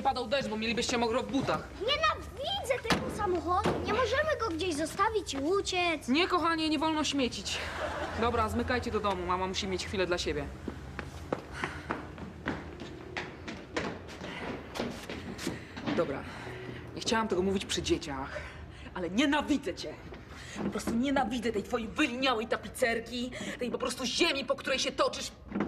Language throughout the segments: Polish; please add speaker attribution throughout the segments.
Speaker 1: nie padał deszcz, bo mielibyście mokro w butach.
Speaker 2: Nienawidzę tego samochodu. Nie możemy go gdzieś zostawić i uciec.
Speaker 1: Nie, kochanie, nie wolno śmiecić. Dobra, zmykajcie do domu. Mama musi mieć chwilę dla siebie. Dobra, nie chciałam tego mówić przy dzieciach, ale nienawidzę cię. Po prostu nienawidzę tej twojej wyliniałej tapicerki, tej po prostu ziemi, po której się toczysz.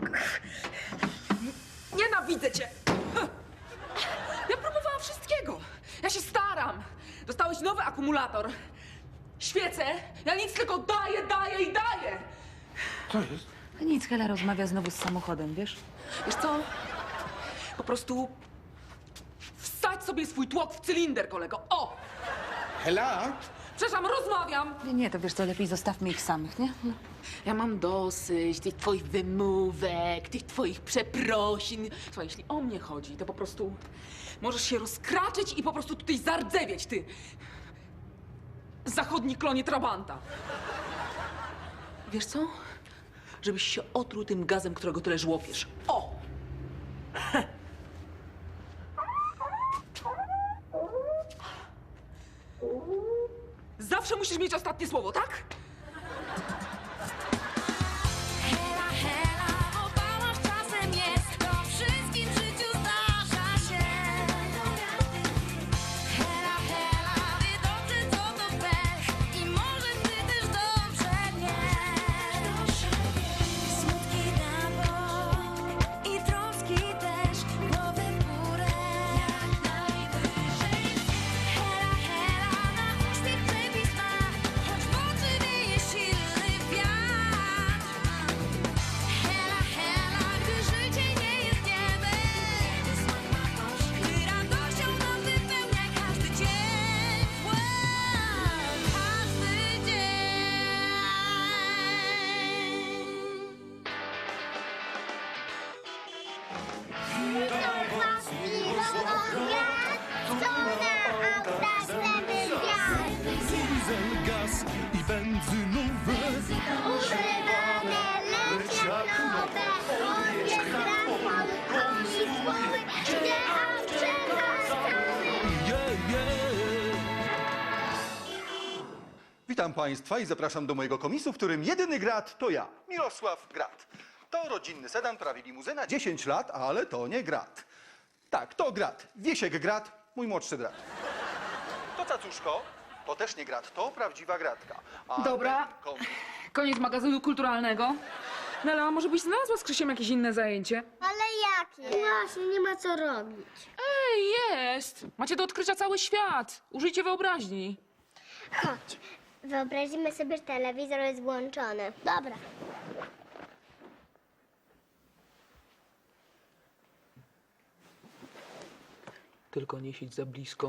Speaker 1: Nienawidzę cię. Ja próbowałam wszystkiego. Ja się staram. Dostałeś nowy akumulator. Świecę. Ja nic tylko daję i daję.
Speaker 3: Co jest?
Speaker 4: Nic, Hela rozmawia znowu z samochodem, wiesz?
Speaker 1: Wiesz co? Po prostu wsadź sobie swój tłok w cylinder, kolego. O!
Speaker 3: Hela?
Speaker 1: Przepraszam, rozmawiam.
Speaker 4: Nie, to wiesz co, lepiej zostawmy ich samych, nie? No.
Speaker 1: Ja mam dosyć tych twoich wymówek, tych twoich przeprosin. Słuchaj, jeśli o mnie chodzi, to po prostu możesz się rozkraczyć i po prostu tutaj zardzewieć, ty zachodni klonie Trabanta. Wiesz co? Żebyś się otruł tym gazem, którego tyle żłopiesz. O! Zawsze musisz mieć ostatnie słowo, tak?
Speaker 5: Hela, hela, obałaś czasem jest, to wszystkim w życiu zdarza się. Hela, hela, wie dobrze co to pech i może ty też dobrze wiesz. Smutki na bok i troski też, głowę w górę jak najwyżej. Hela, hela, na uśmiech przepis ma, choć w oczy wieje silny wiatr. Hela, hela, gdy życie nie jest niebem, gdy radością nas wypełnia każdy dzień, każdy dzień.
Speaker 6: Diesel, gaz i benzynowe.
Speaker 2: Używane, lecz jak nowe. Odbierz transport, koni słowy, gdzie ostrzegasz cały.
Speaker 7: Witam Państwa i zapraszam do mojego komisu, w którym jedyny Grat to ja, Mirosław Grat. To rodzinny sedan, prawie limuzyna, 10 lat, ale to nie Grat. Tak, to Grat, Wiesiek Grat, mój młodszy brat. To Cacuszko, to też nie Grat, to prawdziwa Gratka. A
Speaker 1: Dobra.
Speaker 7: ten komis-
Speaker 1: Koniec magazynu kulturalnego. Nela, może byś znalazła z Krzysiem jakieś inne zajęcie?
Speaker 2: Ale jakie? Właśnie, nie ma co robić.
Speaker 1: Ej, jest! Macie do odkrycia cały świat. Użyjcie wyobraźni.
Speaker 2: Chodź, wyobrazimy sobie, że telewizor jest włączony. Dobra.
Speaker 1: Tylko nie siedź za blisko.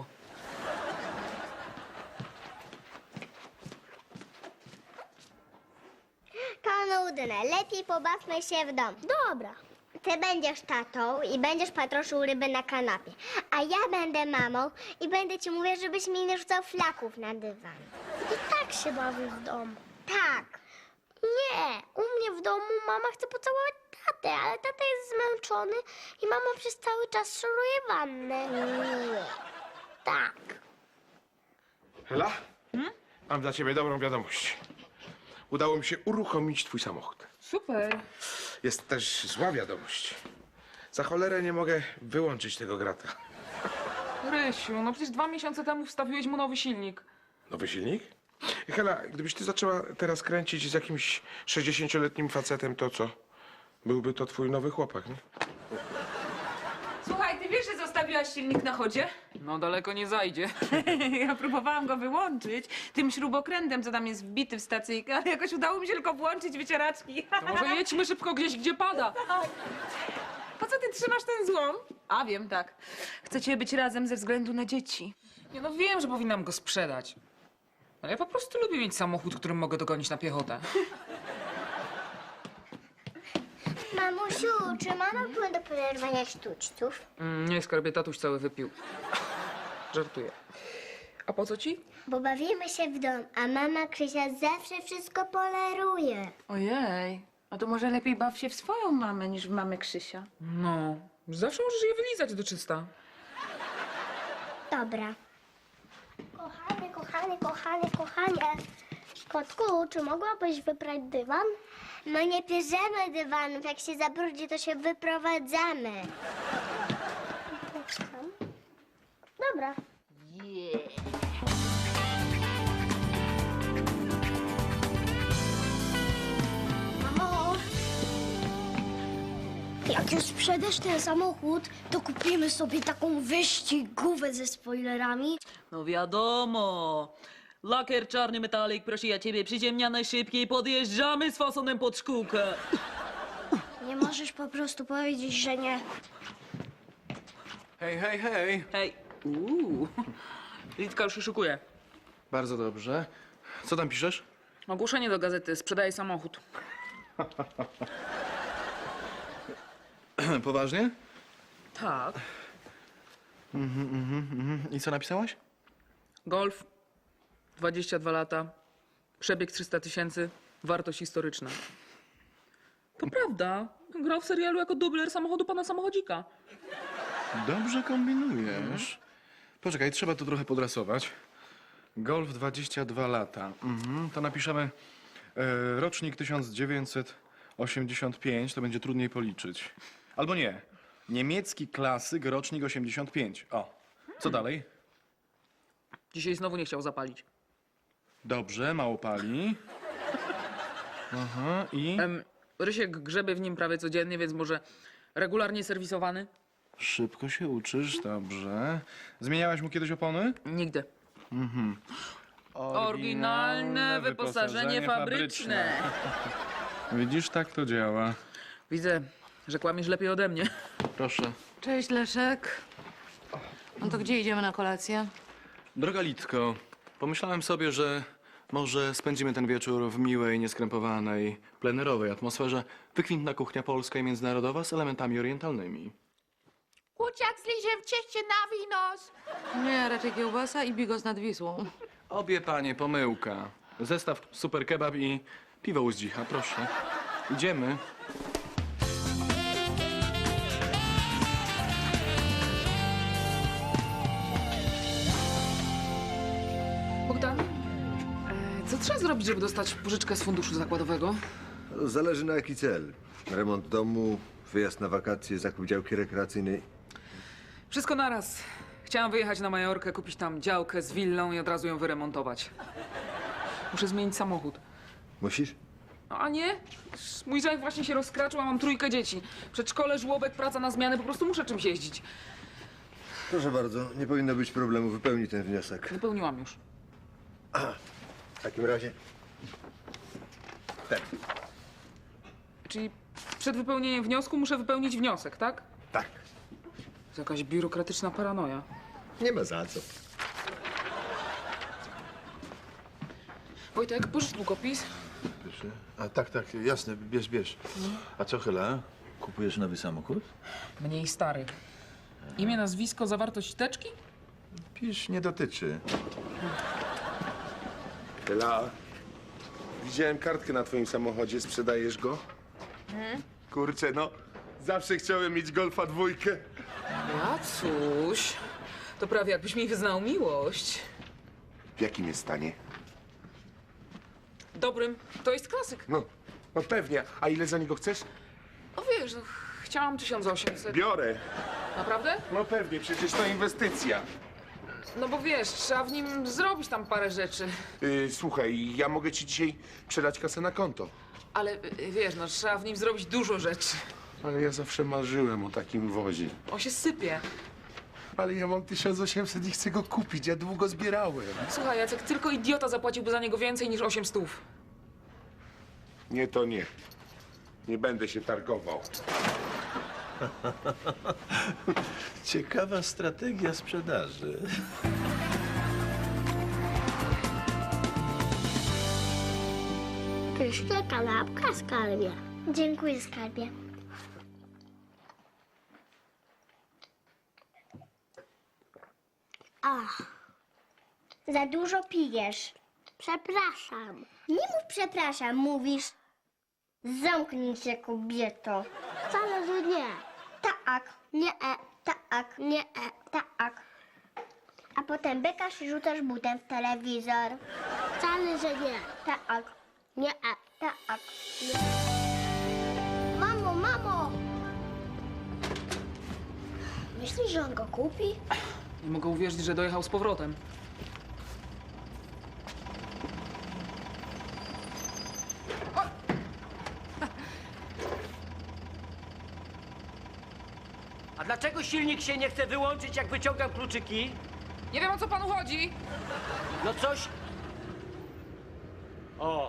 Speaker 2: To nudne, lepiej pobawmy się w domu. Dobra. Ty będziesz tatą i będziesz patroszył ryby na kanapie, a ja będę mamą i będę ci mówić, żebyś mi nie rzucał flaków na dywan. I tak się bawię w domu. Tak. Nie, u mnie w domu mama chce pocałować tatę, ale tata jest zmęczony i mama przez cały czas szoruje wannę. Nie. Tak.
Speaker 3: Hela? Mam dla ciebie dobrą wiadomość. Udało mi się uruchomić twój samochód.
Speaker 1: Super.
Speaker 3: Jest też zła wiadomość. Za cholerę nie mogę wyłączyć tego grata.
Speaker 1: Rysiu, no przecież 2 miesiące temu wstawiłeś mu nowy silnik.
Speaker 3: Nowy silnik? Hela, gdybyś ty zaczęła teraz kręcić z jakimś 60-letnim facetem, to co? Byłby to twój nowy chłopak, nie?
Speaker 4: Słuchaj, ty wiesz, że zostawiłaś silnik na chodzie?
Speaker 1: No daleko nie zajdzie.
Speaker 4: Ja próbowałam go wyłączyć tym śrubokrętem, co tam jest wbity w stacyjkę, ale jakoś udało mi się tylko włączyć wycieraczki.
Speaker 1: To może jedźmy szybko gdzieś, gdzie pada.
Speaker 4: Po co ty trzymasz ten złom? A wiem, tak. Chcecie być razem ze względu na dzieci.
Speaker 1: Nie no, wiem, że powinnam go sprzedać. Ale ja po prostu lubię mieć samochód, którym mogę dogonić na piechotę.
Speaker 2: Mamusiu, czy mama płyn do poderwania sztućców?
Speaker 1: Nie, skarbie, tatuś cały wypił. Żartuję. A po co ci?
Speaker 2: Bo bawimy się w dom, a mama Krzysia zawsze wszystko poleruje.
Speaker 4: Ojej, a to może lepiej baw się w swoją mamę niż w mamę Krzysia.
Speaker 1: No, zawsze możesz je wylizać do czysta.
Speaker 2: Dobra. Kochanie. Kotku, czy mogłabyś wyprać dywan? No nie bierzemy dywanów. Jak się zabrudzi, to się wyprowadzamy. Dobra. Mamo, jak już sprzedasz ten samochód, to kupimy sobie taką wyścigówę ze spoilerami.
Speaker 1: No wiadomo. Lakier czarny metalik, proszę ja ciebie, przyziemnia najszybciej, podjeżdżamy z fasonem pod szkółkę.
Speaker 2: Nie możesz po prostu powiedzieć, że nie.
Speaker 8: Hej.
Speaker 1: Hej. Litka już się szykuje.
Speaker 8: Bardzo dobrze. Co tam piszesz?
Speaker 1: Ogłoszenie do gazety, sprzedaję samochód.
Speaker 8: Poważnie?
Speaker 1: Tak.
Speaker 8: I co napisałaś?
Speaker 1: Golf, 22 lata, przebieg 300 000, wartość historyczna. To prawda. Grał w serialu jako dubler samochodu pana samochodzika.
Speaker 8: Dobrze kombinujesz. Poczekaj, trzeba tu trochę podrasować. Golf 22 lata. To napiszemy rocznik 1985, to będzie trudniej policzyć. Albo nie. Niemiecki klasyk, rocznik 85. O, co dalej?
Speaker 1: Dzisiaj znowu nie chciał zapalić.
Speaker 8: Dobrze, mało pali. Aha, i
Speaker 1: Rysiek grzebie w nim prawie codziennie, więc może regularnie serwisowany?
Speaker 8: szybko się uczysz, dobrze. Zmieniałaś mu kiedyś opony?
Speaker 1: Nigdy. Oryginalne wyposażenie fabryczne.
Speaker 8: Widzisz, tak to działa.
Speaker 1: Widzę, że kłamiesz lepiej ode mnie.
Speaker 8: Proszę.
Speaker 9: Cześć, Leszek. No to gdzie idziemy na kolację?
Speaker 8: Droga Litko, pomyślałem sobie, że może spędzimy ten wieczór w miłej, nieskrępowanej, plenerowej atmosferze. Wykwintna kuchnia polska i międzynarodowa z elementami orientalnymi.
Speaker 9: Kurczak z liżem w cieście na winos. Nie, raczej kiełbasa i bigos nad Wisłą.
Speaker 8: Obie panie, pomyłka. Zestaw super kebab i piwo u zdzicha, proszę. Idziemy.
Speaker 1: Bogdan, co trzeba zrobić, żeby dostać pożyczkę z funduszu zakładowego?
Speaker 10: Zależy na jaki cel. Remont domu, wyjazd na wakacje, zakup działki rekreacyjnej.
Speaker 1: Wszystko naraz. Chciałam wyjechać na Majorkę, kupić tam działkę z willą i od razu ją wyremontować. Muszę zmienić samochód.
Speaker 10: Musisz?
Speaker 1: No a nie? Mój zajęt właśnie się rozkraczył, a mam 3 dzieci. Przedszkole, żłobek, praca na zmianę, po prostu muszę czymś jeździć.
Speaker 10: Proszę bardzo, nie powinno być problemu. Wypełnij ten wniosek.
Speaker 1: Wypełniłam już.
Speaker 10: W takim razie... Ten.
Speaker 1: Czyli przed wypełnieniem wniosku muszę wypełnić wniosek, tak?
Speaker 10: Tak.
Speaker 1: To jakaś biurokratyczna paranoja.
Speaker 10: Nie ma za co.
Speaker 1: Wojtek, pożycz długopis.
Speaker 11: Proszę. A tak, jasne, bierz. A co, Hela? Kupujesz nowy samochód?
Speaker 1: Mniej stary. Imię, nazwisko, zawartość teczki?
Speaker 11: Pisz, nie dotyczy.
Speaker 3: Ela, widziałem kartkę na twoim samochodzie, sprzedajesz go? Kurczę, no, zawsze chciałem mieć Golfa 2.
Speaker 1: Jacuś, to prawie jakbyś mi wyznał miłość.
Speaker 3: W jakim jest stanie?
Speaker 1: Dobrym, to jest klasyk.
Speaker 3: No pewnie. A ile za niego chcesz?
Speaker 1: No wiesz, no, chciałam 1800.
Speaker 3: Biorę.
Speaker 1: Naprawdę?
Speaker 3: No pewnie, przecież to inwestycja.
Speaker 1: No bo wiesz, trzeba w nim zrobić tam parę rzeczy.
Speaker 3: Słuchaj, ja mogę ci dzisiaj przelać kasę na konto.
Speaker 1: Ale wiesz, no trzeba w nim zrobić dużo rzeczy.
Speaker 3: Ale ja zawsze marzyłem o takim wozie.
Speaker 1: On się sypie.
Speaker 3: Ale ja mam 1800 i chcę go kupić, ja długo zbierałem.
Speaker 1: Słuchaj, Jacek, tylko idiota zapłaciłby za niego więcej niż 800.
Speaker 3: Nie, to nie. Nie będę się targował.
Speaker 11: Ciekawa strategia sprzedaży.
Speaker 2: Pyszna kanapka, skarbie. Dziękuję, skarbie. Ach, za dużo pijesz. Przepraszam. Nie mów przepraszam, mówisz. Zamknij się, kobieto. Wcale, że nie. Tak, nie, tak, nie, tak. A potem bykasz i rzucasz butem w telewizor. Wcale, że nie. Tak. Nie, tak. Nie. Mamo, mamo! Myślisz, że on go kupi?
Speaker 1: Nie mogę uwierzyć, że dojechał z powrotem.
Speaker 12: A dlaczego silnik się nie chce wyłączyć, jak wyciągam kluczyki?
Speaker 1: Nie wiem, o co panu chodzi.
Speaker 12: No coś... O!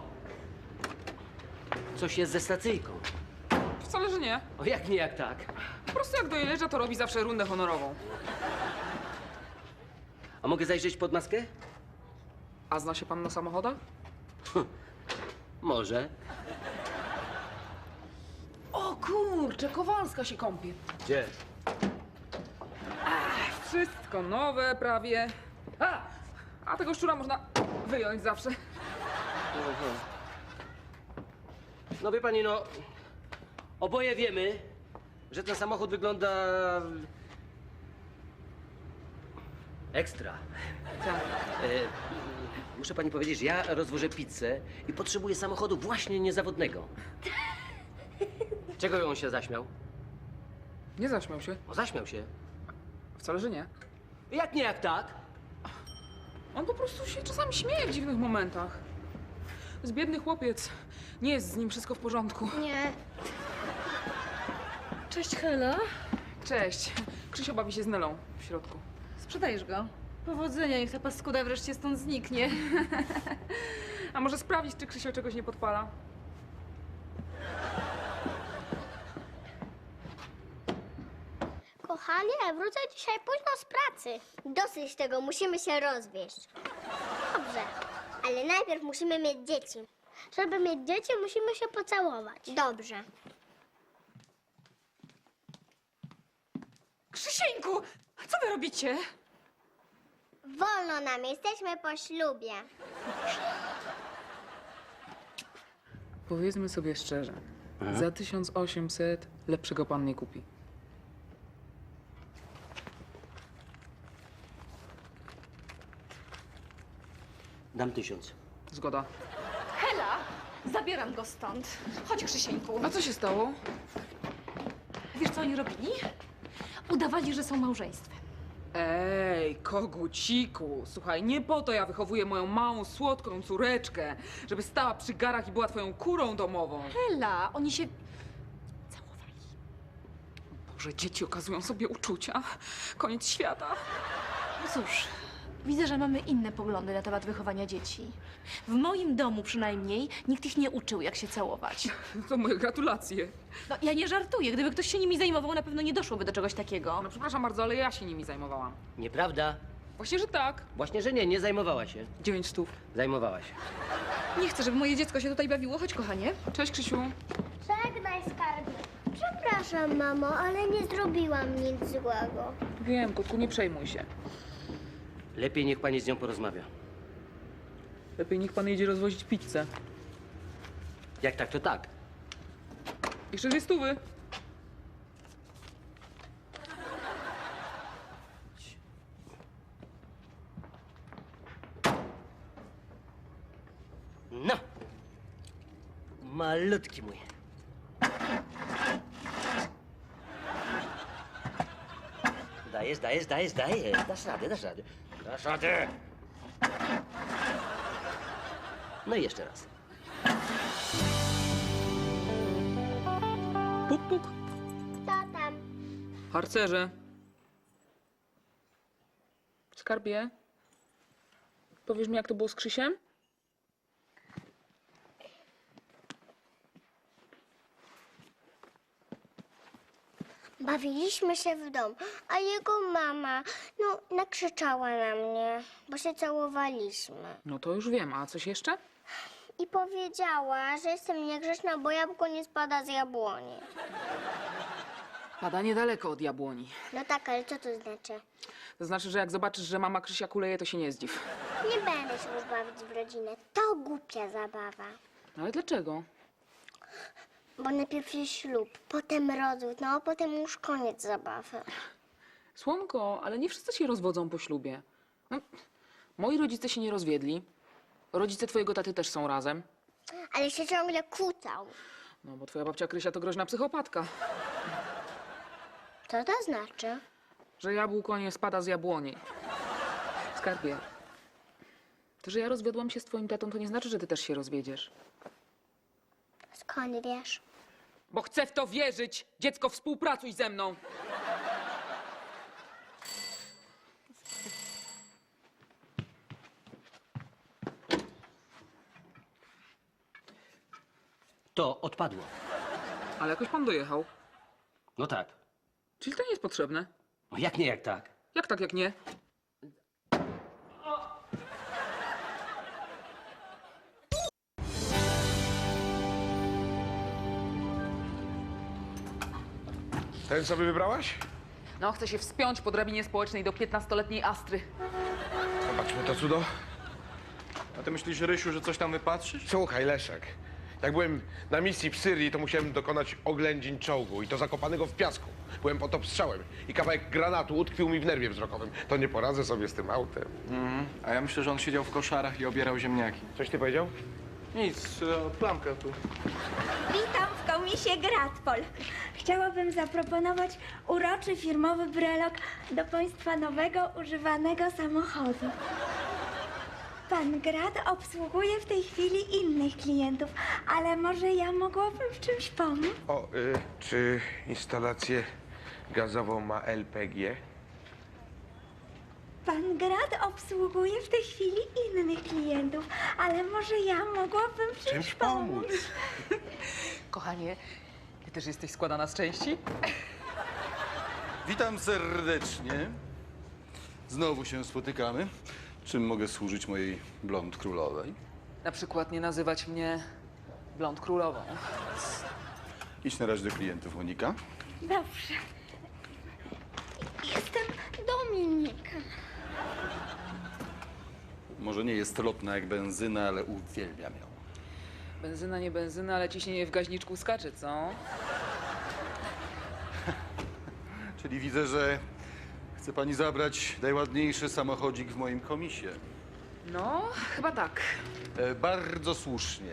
Speaker 12: Coś jest ze stacyjką.
Speaker 1: Wcale, że nie.
Speaker 12: O, jak nie, jak tak.
Speaker 1: Po prostu jak dojeżdża, to robi zawsze rundę honorową.
Speaker 12: A mogę zajrzeć pod maskę?
Speaker 1: A zna się pan na samochodach?
Speaker 12: Może.
Speaker 1: O kurczę, Kowalska się kąpie.
Speaker 12: Gdzie?
Speaker 1: Wszystko nowe prawie. A tego szczura można wyjąć zawsze.
Speaker 12: No wie pani, no... Oboje wiemy, że ten samochód wygląda... ekstra.
Speaker 1: Tak.
Speaker 12: Muszę pani powiedzieć, że ja rozwożę pizzę i potrzebuję samochodu właśnie niezawodnego. Czego on się zaśmiał?
Speaker 1: Nie zaśmiał się.
Speaker 12: O, zaśmiał się.
Speaker 1: Wcale, że nie.
Speaker 12: Jak nie, jak tak?
Speaker 1: On po prostu się czasami śmieje w dziwnych momentach. To jest biedny chłopiec. Nie jest z nim wszystko w porządku.
Speaker 2: Nie.
Speaker 9: Cześć, Hela.
Speaker 1: Cześć. Krzysio bawi się z Nelą w środku.
Speaker 9: Sprzedajesz go. Powodzenia, niech ta paskuda wreszcie stąd zniknie.
Speaker 1: A może sprawdzić, czy Krzysio czegoś nie podpala?
Speaker 2: Kochanie, wrócę dzisiaj późno z pracy. Dosyć tego, musimy się rozwieść. Dobrze, ale najpierw musimy mieć dzieci. Żeby mieć dzieci, musimy się pocałować. Dobrze.
Speaker 9: Krzysieńku, co wy robicie?
Speaker 2: Wolno nam, jesteśmy po ślubie.
Speaker 1: Powiedzmy sobie szczerze. Za 1800 lepszego pan nie kupi.
Speaker 12: Dam 1000.
Speaker 1: Zgoda.
Speaker 9: Hela, zabieram go stąd. Chodź, Krzysieńku.
Speaker 1: A co się stało?
Speaker 9: Wiesz, co oni robili? Udawali, że są małżeństwem.
Speaker 1: Ej, koguciku, słuchaj, nie po to ja wychowuję moją małą, słodką córeczkę, żeby stała przy garach i była twoją kurą domową.
Speaker 9: Hela, oni się całowali.
Speaker 1: Boże, dzieci okazują sobie uczucia. Koniec świata.
Speaker 9: No cóż, widzę, że mamy inne poglądy na temat wychowania dzieci. W moim domu przynajmniej nikt ich nie uczył, jak się całować.
Speaker 1: To moje gratulacje.
Speaker 9: No, ja nie żartuję. Gdyby ktoś się nimi zajmował, na pewno nie doszłoby do czegoś takiego.
Speaker 1: No przepraszam bardzo, ale ja się nimi zajmowałam.
Speaker 12: Nieprawda.
Speaker 1: Właśnie, że tak.
Speaker 12: Właśnie, że nie, nie zajmowała się.
Speaker 1: 900.
Speaker 12: Zajmowała się.
Speaker 9: Nie chcę, żeby moje dziecko się tutaj bawiło. Chodź, kochanie.
Speaker 1: Cześć, Krzysiu.
Speaker 2: Żegnaj, skarbie. Przepraszam, mamo, ale nie zrobiłam nic złego.
Speaker 1: Wiem, kotku, nie przejmuj się.
Speaker 12: Lepiej niech pani z nią porozmawia.
Speaker 1: Lepiej niech pan jedzie rozwozić pizzę.
Speaker 12: Jak tak, to tak.
Speaker 1: Jeszcze 200.
Speaker 12: No! Malutki mój. Dajesz, dajesz, dajesz, dajesz. Dasz radę, dasz radę. Dasz radę! No i jeszcze raz.
Speaker 1: Puk, puk.
Speaker 2: Co tam?
Speaker 1: Harcerze. Skarbie. Powiesz mi, jak to było z Krzysiem?
Speaker 2: Bawiliśmy się w domu, a jego mama, nakrzyczała na mnie, bo się całowaliśmy.
Speaker 1: No to już wiem, a coś jeszcze?
Speaker 2: I powiedziała, że jestem niegrzeczna, bo jabłko nie spada z jabłoni.
Speaker 1: Pada niedaleko od jabłoni.
Speaker 2: No tak, ale co to znaczy?
Speaker 1: To znaczy, że jak zobaczysz, że mama Krzysia kuleje, to się nie zdziw.
Speaker 2: Nie będę się już bawić w rodzinę. To głupia zabawa.
Speaker 1: Ale dlaczego?
Speaker 2: Bo najpierw jest ślub, potem rozwód, a potem już koniec zabawy.
Speaker 1: Słonko, ale nie wszyscy się rozwodzą po ślubie. Moi rodzice się nie rozwiedli. Rodzice twojego taty też są razem.
Speaker 2: Ale się ciągle kłócą.
Speaker 1: No, bo twoja babcia Krysia to groźna psychopatka.
Speaker 2: Co to znaczy?
Speaker 1: Że jabłko nie spada z jabłoni. Skarbie, to, że ja rozwiodłam się z twoim tatą, to nie znaczy, że ty też się rozwiedziesz.
Speaker 2: Skąd wiesz?
Speaker 1: Bo chcę w to wierzyć! Dziecko, współpracuj ze mną!
Speaker 12: To odpadło.
Speaker 1: Ale jakoś pan dojechał.
Speaker 12: No tak.
Speaker 1: Czyli to nie jest potrzebne.
Speaker 12: No jak nie, jak tak?
Speaker 1: Jak tak, jak nie?
Speaker 3: Ten sobie wybrałaś?
Speaker 1: No, chcę się wspiąć po drabinie społecznej do 15-letniej Astry.
Speaker 3: Zobaczmy to cudo.
Speaker 8: A ty myślisz, Rysiu, że coś tam wypatrzysz?
Speaker 3: Słuchaj, Leszek. Jak byłem na misji w Syrii, to musiałem dokonać oględzin czołgu i to zakopanego w piasku. Byłem pod obstrzałem i kawałek granatu utkwił mi w nerwie wzrokowym. To nie poradzę sobie z tym autem.
Speaker 8: A ja myślę, że on siedział w koszarach i obierał ziemniaki.
Speaker 3: Coś ty powiedział?
Speaker 8: Nic, plamka tu.
Speaker 5: Witam w komisie Gratpol. Chciałabym zaproponować uroczy firmowy brelok do Państwa nowego, używanego samochodu. Pan Grat obsługuje w tej chwili innych klientów, ale może ja mogłabym w czymś pomóc?
Speaker 3: O, czy instalację gazową ma LPG?
Speaker 5: Pan Grat obsługuje w tej chwili innych klientów, ale może ja mogłabym w czymś pomóc?
Speaker 1: Kochanie, ty też jesteś składana z części?
Speaker 7: Witam serdecznie. Znowu się spotykamy. Czym mogę służyć mojej blond królowej?
Speaker 1: Na przykład nie nazywać mnie Blond Królową.
Speaker 7: Idź na razie do klientów, Monika.
Speaker 5: Dobrze. Jestem Dominika.
Speaker 7: Może nie jest lotna jak benzyna, ale uwielbiam ją.
Speaker 1: Benzyna, nie benzyna, ale ciśnienie w gaźniczku skacze, co?
Speaker 7: Czyli widzę, że chce pani zabrać najładniejszy samochodzik w moim komisie.
Speaker 1: No, chyba tak.
Speaker 7: Bardzo słusznie.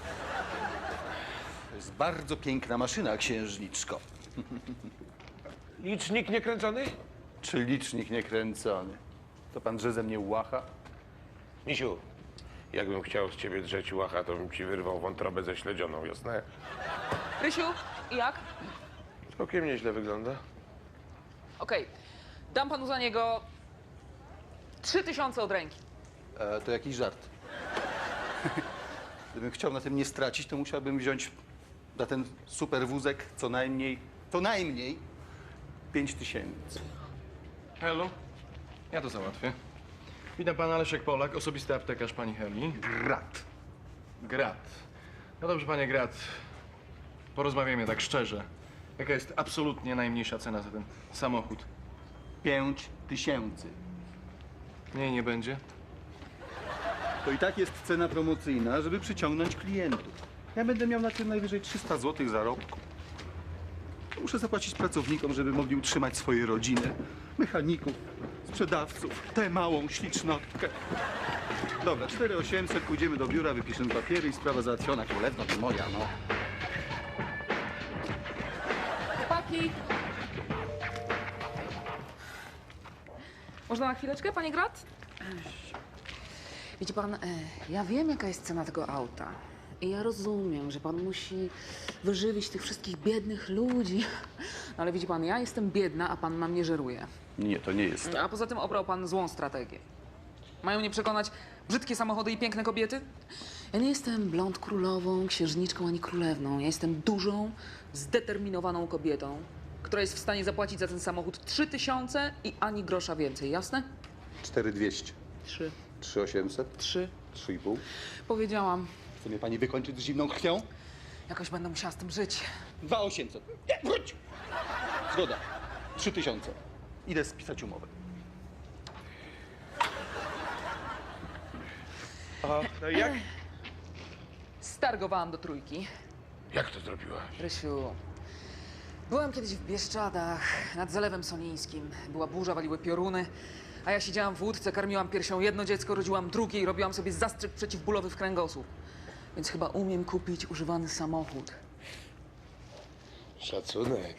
Speaker 7: To jest bardzo piękna maszyna, księżniczko.
Speaker 3: Licznik niekręcony?
Speaker 7: Czy licznik niekręcony? To pan drze ze mnie łacha?
Speaker 3: Misiu, jakbym chciał z ciebie drzeć łacha, to bym ci wyrwał wątrobę ze śledzioną, jasne?
Speaker 1: Rysiu, i jak?
Speaker 3: Całkiem nieźle wygląda.
Speaker 1: Okej, dam panu za niego 3000 od ręki.
Speaker 7: To jakiś żart. Gdybym chciał na tym nie stracić, to musiałbym wziąć za ten super wózek co najmniej 5000.
Speaker 8: Hello? Ja to załatwię. Witam pana Leszek Polak, osobisty aptekarz pani Heli.
Speaker 7: Grat.
Speaker 8: Grat. No dobrze, panie Grat. Porozmawiajmy tak szczerze. Jaka jest absolutnie najmniejsza cena za ten samochód?
Speaker 7: 5000.
Speaker 8: Nie, nie będzie.
Speaker 7: To i tak jest cena promocyjna, żeby przyciągnąć klientów. Ja będę miał na tym najwyżej 300 zł zarobku. Muszę zapłacić pracownikom, żeby mogli utrzymać swoje rodziny. Mechaników, sprzedawców, tę małą ślicznotkę. Dobra, 4800, pójdziemy do biura, wypiszemy papiery i sprawa załatwiona. Królewno to moja, no.
Speaker 1: Chłopaki! Można na chwileczkę, panie Grat? Wiecie pan, ja wiem, jaka jest cena tego auta. I ja rozumiem, że pan musi wyżywić tych wszystkich biednych ludzi. No ale widzi pan, ja jestem biedna, a pan na mnie żeruje.
Speaker 7: Nie, to nie jest.
Speaker 1: A poza tym obrał pan złą strategię. Mają mnie przekonać brzydkie samochody i piękne kobiety? Ja nie jestem blond królową, księżniczką ani królewną. Ja jestem dużą, zdeterminowaną kobietą, która jest w stanie zapłacić za ten samochód 3000 i ani grosza więcej, jasne?
Speaker 7: 4200.
Speaker 1: 3.
Speaker 7: 3800.
Speaker 1: 3.
Speaker 7: 3,5.
Speaker 1: Powiedziałam.
Speaker 7: Chce mnie pani wykończyć z zimną krwią?
Speaker 1: Jakoś będę musiała z tym żyć.
Speaker 7: 2800. Nie, wróć! Zgoda. 3000. Idę spisać umowę.
Speaker 3: Aha, no i jak?
Speaker 1: Stargowałam do 3.
Speaker 3: Jak to zrobiłaś?
Speaker 1: Rysiu, byłam kiedyś w Bieszczadach, nad Zalewem Solińskim. Była burza, waliły pioruny. A ja siedziałam w łódce, karmiłam piersią jedno dziecko, rodziłam drugie i robiłam sobie zastrzyk przeciwbólowy w kręgosłup. Więc chyba umiem kupić używany samochód.
Speaker 3: Szacunek.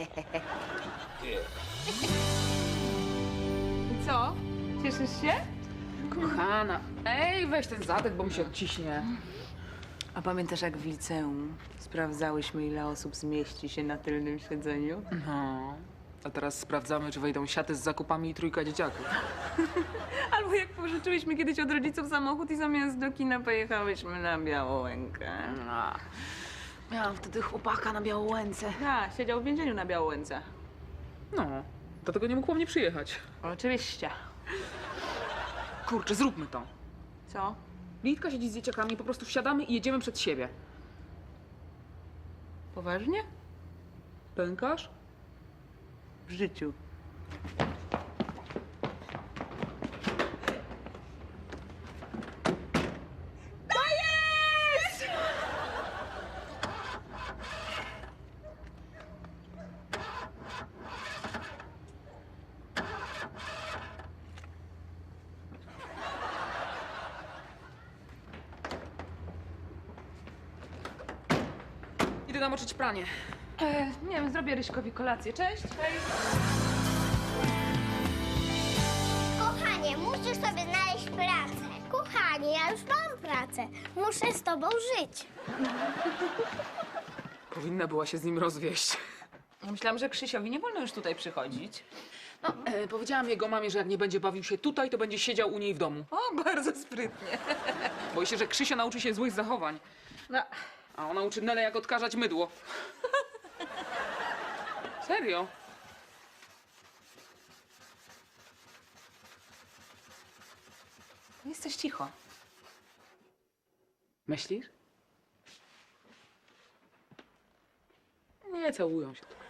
Speaker 4: I co? Cieszysz się?
Speaker 1: Kochana, ej, weź ten zadek, bo mi się odciśnie.
Speaker 4: A pamiętasz, jak w liceum sprawdzałyśmy, ile osób zmieści się na tylnym siedzeniu?
Speaker 1: No. A teraz sprawdzamy, czy wejdą siaty z zakupami i trójka dzieciaków.
Speaker 4: Albo jak pożyczyłyśmy kiedyś od rodziców samochód i zamiast do kina pojechałyśmy na Białołękę.
Speaker 1: A, miałam wtedy chłopaka na Białołęce.
Speaker 4: Tak, siedział w więzieniu na Białołęce.
Speaker 1: No, dlatego nie mógł po mnie przyjechać.
Speaker 4: Oczywiście.
Speaker 1: Kurczę, zróbmy to.
Speaker 4: Co?
Speaker 1: Litka siedzi z dzieciakami, po prostu wsiadamy i jedziemy przed siebie.
Speaker 4: Poważnie?
Speaker 1: Pękasz?
Speaker 4: W życiu.
Speaker 1: Idę namoczyć pranie.
Speaker 4: Nie wiem, zrobię Ryśkowi kolację. Cześć!
Speaker 2: Kochanie, musisz sobie znaleźć pracę. Kochanie, ja już mam pracę. Muszę z tobą żyć.
Speaker 1: Powinna była się z nim rozwieść.
Speaker 4: Ja myślałam, że Krzysiowi nie wolno już tutaj przychodzić.
Speaker 1: No, powiedziałam jego mamie, że jak nie będzie bawił się tutaj, to będzie siedział u niej w domu.
Speaker 4: O, bardzo sprytnie.
Speaker 1: Boi się, że Krzysia nauczy się złych zachowań.
Speaker 4: No,
Speaker 1: A ona uczy Nelę, jak odkażać mydło. Serio?
Speaker 4: jesteś cicho.
Speaker 1: Myślisz? Nie całują się.